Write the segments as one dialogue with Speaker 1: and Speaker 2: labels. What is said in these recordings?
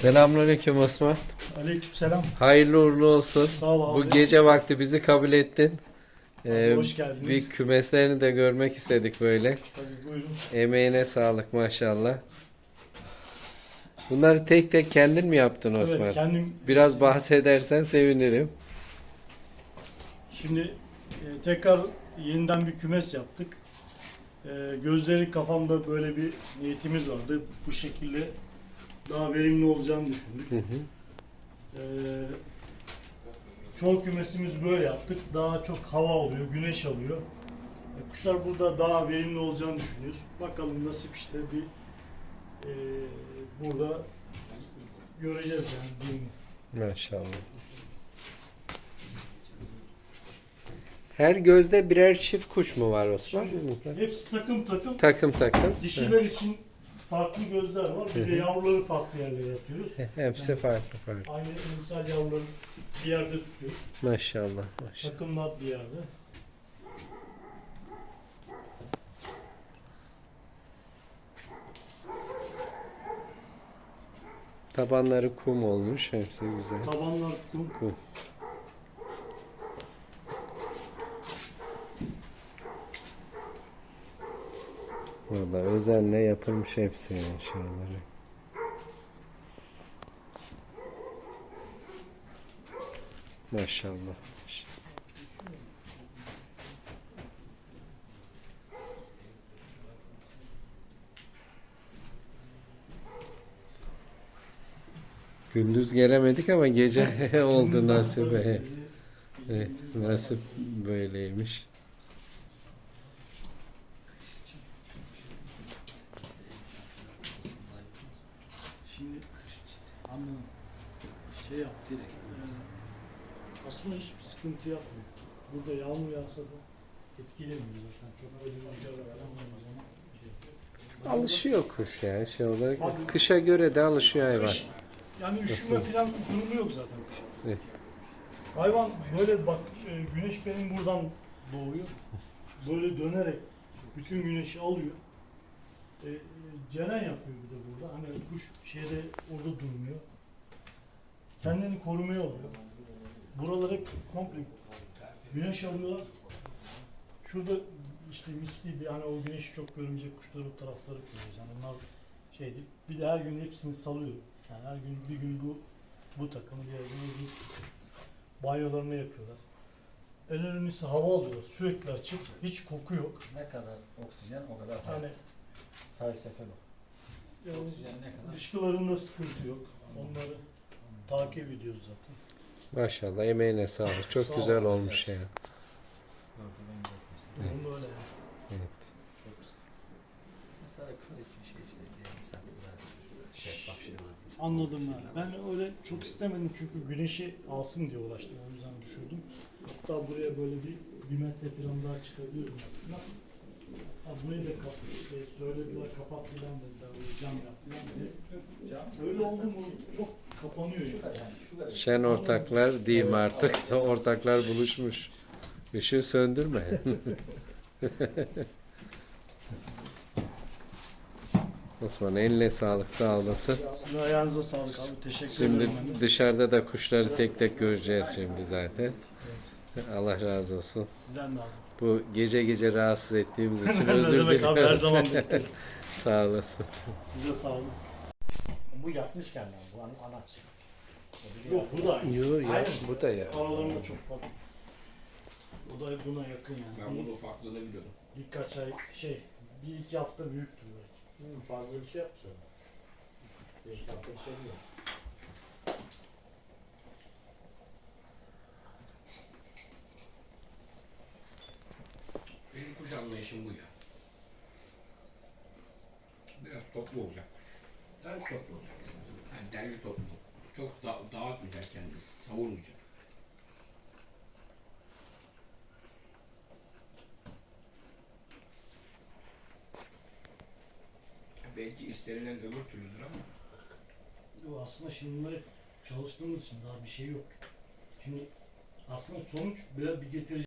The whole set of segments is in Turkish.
Speaker 1: Selamünaleyküm Osman.
Speaker 2: Aleykümselam.
Speaker 1: Hayırlı uğurlu olsun.
Speaker 2: Sağ ol abi.
Speaker 1: Bu gece vakti bizi kabul ettin.
Speaker 2: Abi hoş geldiniz.
Speaker 1: Bir kümeslerini de görmek istedik böyle.
Speaker 2: Tabii buyurun.
Speaker 1: Emeğine sağlık maşallah. Bunları tek tek kendin mi yaptın Osman?
Speaker 2: Evet, kendim.
Speaker 1: Biraz bahsedersen sevinirim.
Speaker 2: Şimdi tekrar yeniden bir kümes yaptık. Gözleri kafamda böyle bir niyetimiz vardı. Bu şekilde daha verimli olacağını düşündük. Çoğu kümesimiz böyle yaptık. Daha çok hava oluyor, güneş alıyor. Kuşlar burada daha verimli olacağını düşünüyoruz. Bakalım nasip işte bir burada göreceğiz yani değil mi?
Speaker 1: Maşallah. Her gözde birer çift kuş mu var Osman?
Speaker 2: Hepsi takım takım.
Speaker 1: Takım takım.
Speaker 2: Dişiler için farklı gözler var. Bir de yavruları farklı yerlere yatıyoruz.
Speaker 1: Hepsi farklı farklı.
Speaker 2: Aynı misal yavruları bir yerde tutuyoruz.
Speaker 1: Maşallah. Maşallah.
Speaker 2: Takımlar bir yerde.
Speaker 1: Tabanları kum olmuş. Hepsi güzel.
Speaker 2: Tabanlar kum.
Speaker 1: Kum. Vallahi özenle yapılmış hepsi yani şeyleri. Maşallah. Gündüz gelemedik ama gece oldu nasip. Evet, nasip böyleymiş.
Speaker 2: Şimdi anladım. Şey yap direkt. Aslında hiçbir sıkıntı yapmıyor. Burada yağmur yağsa da etkilemiyor zaten. Çok böyle rüzgar falan olmaz ama.
Speaker 1: Alışıyor kuş ya şey olarak.
Speaker 2: Abi-
Speaker 1: Kışa göre de alışıyor hayvan.
Speaker 2: Kış, yani üşüme falan durumu yok zaten kışın.
Speaker 1: Evet.
Speaker 2: Hayvan böyle bak güneş benim buradan doğuyor. Böyle dönerek bütün güneşi alıyor. Ceren yapıyor bir de burada. Hani kuş şeyde orada durmuyor. Kendini korumaya alıyor. Buralar hep komple güneş alıyorlar. Şurada işte misli bir hani o güneşi çok görmeyecek kuşları bu tarafları koyuyoruz. Yani onlar şey değil. Bir de her gün hepsini salıyor. Yani her gün bir gün bu takım, diğer gün öbür banyolarını yapıyorlar. En önemlisi hava alıyorlar. Sürekli açık. Hiç koku yok.
Speaker 3: Ne kadar oksijen o kadar hayat.
Speaker 2: Yani
Speaker 3: Felsefe bu. Oksijen ne kadar?
Speaker 2: dışkılarında sıkıntı yok. Onları takip ediyoruz zaten.
Speaker 1: Maşallah emeğine sağlık. Çok
Speaker 2: Sağ ol.
Speaker 1: güzel olmuş ya.
Speaker 3: Korkudan geçmesin.
Speaker 2: Durum öyle yani.
Speaker 1: Evet.
Speaker 3: Çok sıkı. Mesela kıl için şey işte misafirler, şeffaf şeyler.
Speaker 2: Anladım yani. Ben öyle çok istemedim çünkü güneşi alsın diye uğraştım. O yüzden düşürdüm. Hatta buraya böyle bir metre falan daha çıkabiliyorum aslında. Hatta burayı da söylediler kapat filan dediler. Böyle cam yap filan diye. Öyle oldu mu çok kapanıyor. Yani.
Speaker 1: Şen ortaklar diyeyim artık. Ortaklar buluşmuş. Işığı söndürme. Osman eline sağlık sağ olasın.
Speaker 2: Sizin ayağınıza sağlık abi. Teşekkür
Speaker 1: Şimdi
Speaker 2: ederim. Ben de.
Speaker 1: dışarıda da kuşları tek tek göreceğiz şimdi zaten. Allah razı olsun.
Speaker 2: Sizden de abi.
Speaker 1: Bu gece gece rahatsız ettiğimiz için
Speaker 2: Ne
Speaker 1: özür
Speaker 2: demek abi, her
Speaker 1: dileriz.
Speaker 2: zaman beklerim.
Speaker 1: Sağ olasın.
Speaker 2: Size sağ olun.
Speaker 3: Bu yapmış kendini, bu anaç.
Speaker 2: Yok bu da aynı.
Speaker 1: Yo ya
Speaker 2: Aynen.
Speaker 1: bu da ya.
Speaker 2: Aralarında çok farklı. O da buna yakın yani.
Speaker 4: Ben bunun ufaklığını biliyordum.
Speaker 2: Birkaç ay bir iki hafta büyüktür belki.
Speaker 3: Fazla bir şey yapmış ona. Bir hafta bir şey diyor.
Speaker 4: Benim kuş anlayışım bu ya. Biraz toplu olacak. Biraz toplu olacak. Yani derli toplu. Çok dağıtmayacak kendini. Savurmayacak. Belki istenilen öbür türlüdür ama
Speaker 2: Yo, aslında şimdi bunları çalıştığımız için daha bir şey yok. Şimdi aslında sonuç bir getirici.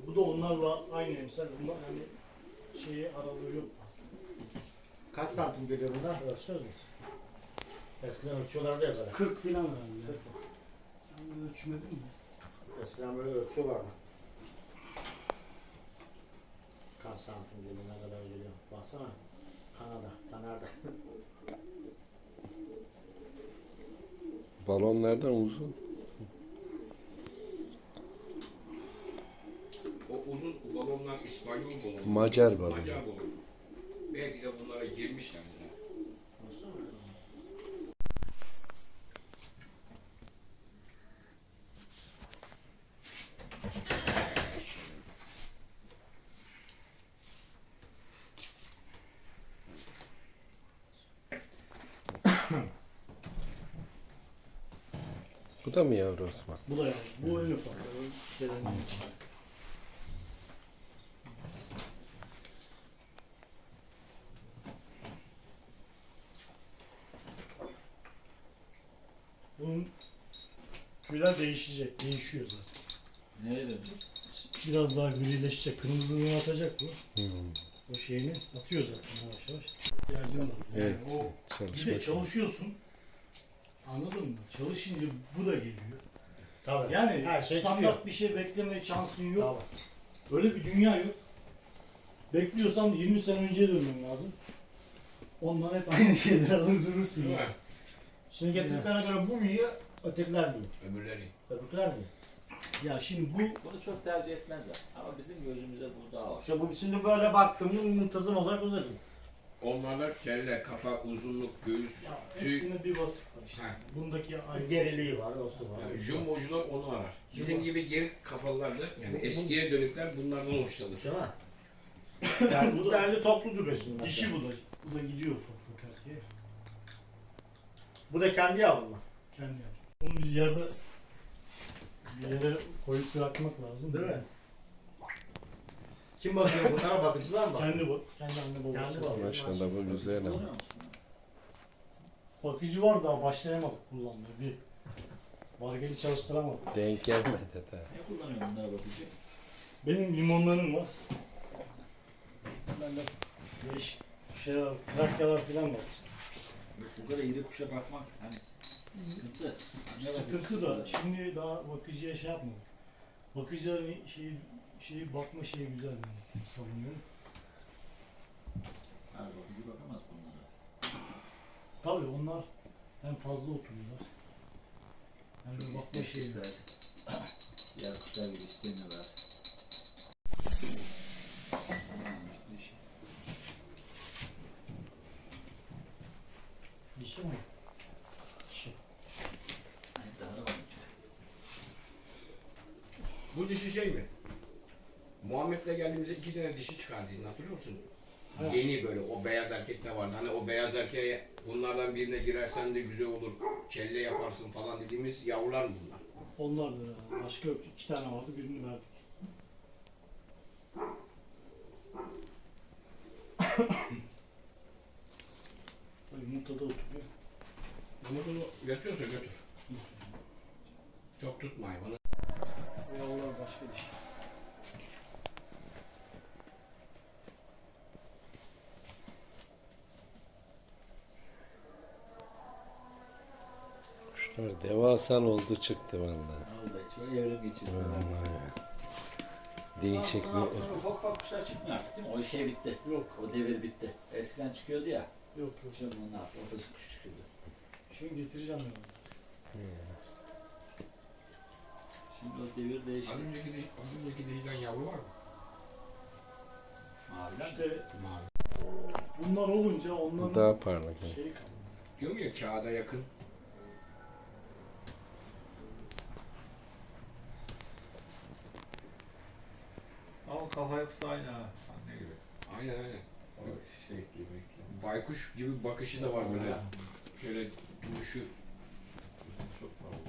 Speaker 2: Bu da onlarla aynı emsal. Bunlar hani şeyi aralığı yok fazla.
Speaker 5: Kaç santim geliyor bunlar? Ölçüyoruz mu? Eskiden ölçüyorlardı ya böyle.
Speaker 2: 40 falan herhalde. Ben ölçmedim mi?
Speaker 5: Eskiden böyle ölçüyorlardı. Kaç santim geliyor, ne kadar geliyor? Baksana. Kanada, Taner'de.
Speaker 1: Balonlardan uzun.
Speaker 4: O uzun balonlar İspanyol balonu.
Speaker 1: Macar balonu.
Speaker 4: Macar balonu. Belki de bunlara girmişler. Bile.
Speaker 5: Nasıl oluyor?
Speaker 1: Bu da mı yavru Osman?
Speaker 2: Bu da yani. Bu en ufak. Gelenin için. Bunun tüyler değişecek. Değişiyor zaten.
Speaker 3: Nereye dönecek?
Speaker 2: Biraz daha grileşecek. Kırmızılığını atacak bu.
Speaker 1: Hmm.
Speaker 2: O şeyini atıyor zaten yavaş yavaş. İhtiyacın var.
Speaker 1: Evet.
Speaker 2: Yani o bir
Speaker 1: Çalışma.
Speaker 2: de çalışıyorsun. Anladın mı? Çalışınca bu da geliyor.
Speaker 5: Tabii.
Speaker 2: Yani
Speaker 5: her şey
Speaker 2: standart
Speaker 5: çıkıyor.
Speaker 2: bir şey bekleme şansın yok.
Speaker 5: Tabii.
Speaker 2: Öyle bir dünya yok. Bekliyorsan 20 sene önceye dönmen lazım. Onlar hep aynı şeyleri alır durursun.
Speaker 4: Değil mi?
Speaker 5: Şimdi getirdiklerine göre bu mu yiyor, ötekiler mi yiyor?
Speaker 4: Öbürleri.
Speaker 5: Öbürkiler mi yiyor?
Speaker 2: Ya şimdi bu
Speaker 3: Bunu çok tercih etmezler. Ama bizim gözümüze bu daha var.
Speaker 5: İşte bu şimdi böyle baktığımda muntazam olarak uzatıyor.
Speaker 4: Onlarda kelle, kafa, uzunluk, göğüs,
Speaker 2: ya
Speaker 4: tüy.
Speaker 2: hepsinde bir vasıf var işte.
Speaker 4: Ha.
Speaker 2: Bundaki aynı.
Speaker 5: Geriliği var, olsun var.
Speaker 4: Yani jumbocular onu arar. Bizim
Speaker 2: Jumbo.
Speaker 4: gibi geri kafalılar da yani eskiye dönükler bunlardan hoşlanır.
Speaker 5: Değil mi? Yani bu derli toplu duruyor şimdi.
Speaker 2: Dişi
Speaker 5: mesela.
Speaker 2: bu da. Bu da gidiyor ufak ufak erkeğe.
Speaker 5: Bu da kendi yavru mu?
Speaker 2: Kendi yapıyor. Onu bir yere koyup bırakmak lazım.
Speaker 5: Değil mi? Kim bakıyor bunlara? Bakıcılar mı bakıyor?
Speaker 2: Kendi bu. Kendi anne babası.
Speaker 5: Kendi babası.
Speaker 1: Maşallah bu güzel ama.
Speaker 3: Kullanıyor musun?
Speaker 2: Bakıcı var daha başlayamadık kullanmaya. Bir bargeli çalıştıramadık.
Speaker 1: Denk gelmedi de.
Speaker 3: Ne kullanıyor bunlara bakıcı?
Speaker 2: Benim limonlarım var. Bende değişik şeyler, trakyalar falan var.
Speaker 3: Bu kadar iri kuşa bakmak hani sıkıntı. Anne
Speaker 2: Sıkıntı
Speaker 3: bakıcısı
Speaker 2: da şimdi daha bakıcıya şey yapmadık. Bakıcıların şeyi bakma şeyi güzel ben savunuyorum.
Speaker 3: Her bakıcı bakamaz bunlara.
Speaker 2: Tabii onlar hem fazla oturuyorlar. Hem de
Speaker 3: Çok
Speaker 2: bakma şeyi.
Speaker 3: ister. Diğer kuşlar gibi istemiyorlar. Dişi.
Speaker 2: Dişi mi? Dişi.
Speaker 3: Hani daha da bakıcı.
Speaker 4: Bu dişi şey mi? Muhammed'le geldiğimizde 2 tane dişi çıkardığını hatırlıyor musun?
Speaker 2: Evet.
Speaker 4: Yeni böyle o beyaz erkekte vardı. Hani o beyaz erkeğe bunlardan birine girersen de güzel olur, kelle yaparsın falan dediğimiz yavrular mı bunlar?
Speaker 2: Onlar da başka yok. 2 tane vardı birini verdik. Tabii yumurtada oturuyor.
Speaker 4: Bunu götürüyorsa götür. Çok tutma hayvanı.
Speaker 2: O yavrular başka dişi.
Speaker 1: Kuşlar devasal oldu çıktı vallahi.
Speaker 3: Vallahi çok evrim geçirdi.
Speaker 1: Vallahi. Değişik
Speaker 3: Bundan sonra
Speaker 1: bir...
Speaker 3: ufak ufak kuşlar çıkmıyor artık değil mi? O şey bitti.
Speaker 2: Yok.
Speaker 3: O devir bitti. Eskiden çıkıyordu ya.
Speaker 2: Yok yok.
Speaker 3: Şimdi bunlar ofis kuşu çıkıyordu.
Speaker 2: Şimdi getireceğim ben onu.
Speaker 3: Şimdi o devir değişti.
Speaker 4: Az önceki dişiden yavru var mı?
Speaker 3: Maviler de.
Speaker 2: İşte
Speaker 4: Mavi.
Speaker 2: bunlar olunca onların
Speaker 1: Daha parlak.
Speaker 2: şeyi kalıyor.
Speaker 4: Diyorum ya kağıda yakın.
Speaker 3: Ama kafa yapısı aynı ha. Anne gibi.
Speaker 4: Aynen aynen. O şey gibi. Baykuş gibi bakışı da var böyle. Şöyle duruşu.
Speaker 3: Çok fazla.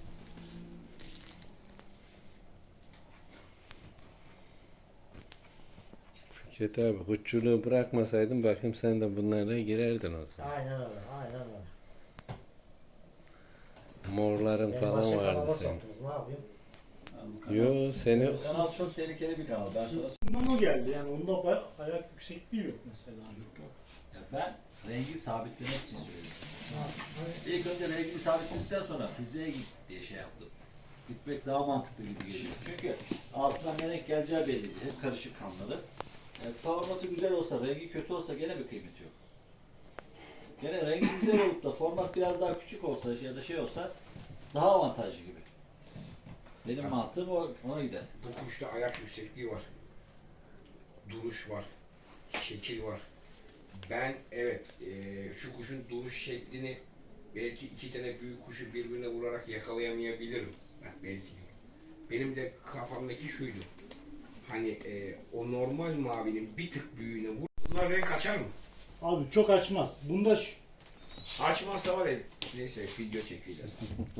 Speaker 1: Fikret abi hutçuluğu bırakmasaydın bakayım sen de bunlara girerdin o zaman.
Speaker 5: Aynen öyle, aynen öyle.
Speaker 1: Morların
Speaker 5: Beni
Speaker 1: falan
Speaker 5: başka
Speaker 1: vardı
Speaker 5: kanala
Speaker 1: senin.
Speaker 5: soktunuz, ne yapayım?
Speaker 3: bu kanal.
Speaker 1: Yo seni
Speaker 3: Bu kanal çok tehlikeli bir kanal. Ben sana
Speaker 2: Bundan o geldi yani onda ayak yüksekliği yok mesela.
Speaker 3: Ya ben rengi sabitlemek için söyledim. İlk önce rengi sabitledikten sonra fiziğe git diye şey yaptım. Gitmek daha mantıklı gibi geliyor. Çünkü altından ne renk geleceği belli değil. Hep karışık kanları. Formatı güzel olsa, rengi kötü olsa gene bir kıymeti yok. Gene rengi güzel olup da format biraz daha küçük olsa ya da şey olsa daha avantajlı gibi. Benim mantığım ona gider.
Speaker 4: Bu kuşta ayak yüksekliği var. Duruş var. Şekil var. Ben evet şu kuşun duruş şeklini belki iki tane büyük kuşu birbirine vurarak yakalayamayabilirim. Bak belki. Benim de kafamdaki şuydu. Hani o normal mavinin bir tık büyüğüne vur. Bunlar renk açar mı?
Speaker 2: Abi çok açmaz. Bunda
Speaker 4: Açmazsa var ya neyse video çekeceğiz.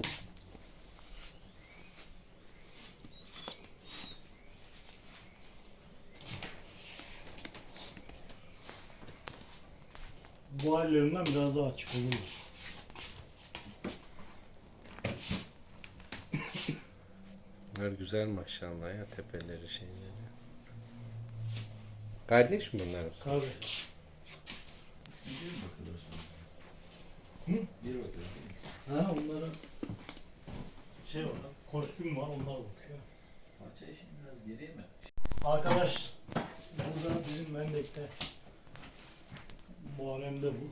Speaker 2: bu hallerinden biraz daha açık olur.
Speaker 1: bunlar güzel maşallah ya tepeleri şeyleri. Kardeş mi bunlar?
Speaker 2: Kardeş.
Speaker 3: Bir mi bakıyorlar
Speaker 2: Hı?
Speaker 3: sonra? Bir bakıyorlar.
Speaker 2: Ha onların şey var, kostüm var, onlar bakıyor.
Speaker 3: Parça işini biraz geriye mi?
Speaker 2: Arkadaş burada bizim Mendek'te Muharrem'de bu.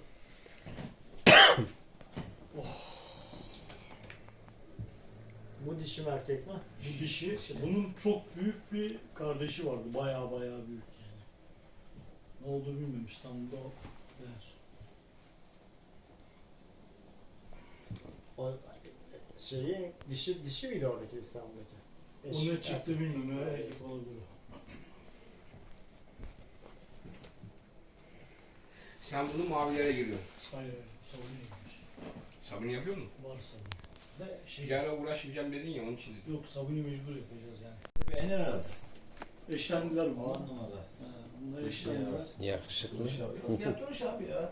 Speaker 5: Bu dişi mi erkek mi?
Speaker 2: Bu dişi, bunun çok büyük bir kardeşi vardı. Baya büyük yani. Ne olduğunu bilmiyorum, İstanbul'da o en son.
Speaker 5: O şeyi dişi miydi oradaki İstanbul'daki?
Speaker 2: O ne çıktı bilmiyorum ya, erkek olabilir.
Speaker 4: Sen bunu mavilere giriyorsun.
Speaker 2: Hayır, savunma yapıyoruz.
Speaker 4: Sabun yapıyor musun?
Speaker 2: Var savunma. De şey,
Speaker 4: Bir ara uğraşmayacağım dedin ya onun için dedim.
Speaker 2: yok sabunu mecbur yapacağız yani.
Speaker 3: Beğenir herhalde.
Speaker 2: Eşlendiler mi?
Speaker 3: 10 numara.
Speaker 2: Bunlar
Speaker 3: Duruş
Speaker 2: eşlendiler.
Speaker 1: Yakışıklı.
Speaker 3: Duruş abi. Yok ya duruş abi ya.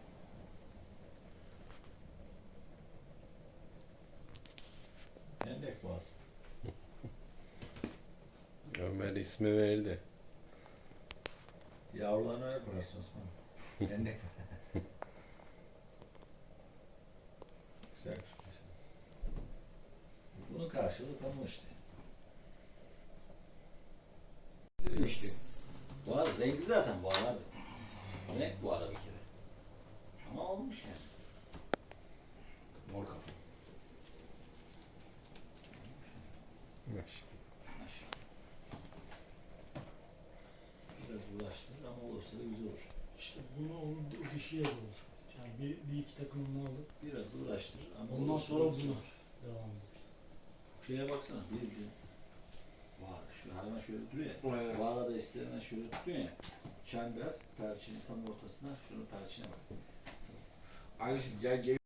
Speaker 3: Endek boğaz.
Speaker 1: Ömer ismi verdi.
Speaker 3: Yavrularını öyle koyarsın Osman. Endek. Güzel kuş. Bunun karşılığı tam o işte.
Speaker 4: Demişti.
Speaker 3: Bu ara rengi zaten bu ara. Renk bu ara bir kere. Ama olmuş yani.
Speaker 4: Mor kafa.
Speaker 1: Maşallah.
Speaker 3: Maşallah. Biraz uğraştırır ama olursa da güzel olur.
Speaker 2: İşte bunu onun o dişiye olur. Yani bir iki takımını alıp
Speaker 3: Biraz uğraştırır ama
Speaker 2: ondan
Speaker 3: olursa
Speaker 2: sonra
Speaker 3: da güzel
Speaker 2: bunu
Speaker 3: olur.
Speaker 2: devam eder.
Speaker 3: Şeye baksana bir. Var şu hayvan şöyle duruyor ya.
Speaker 4: Evet.
Speaker 3: Bu arada isterinden şöyle tutuyor ya. Çember perçinin tam ortasına şunun perçine bak.
Speaker 4: Aynısı gel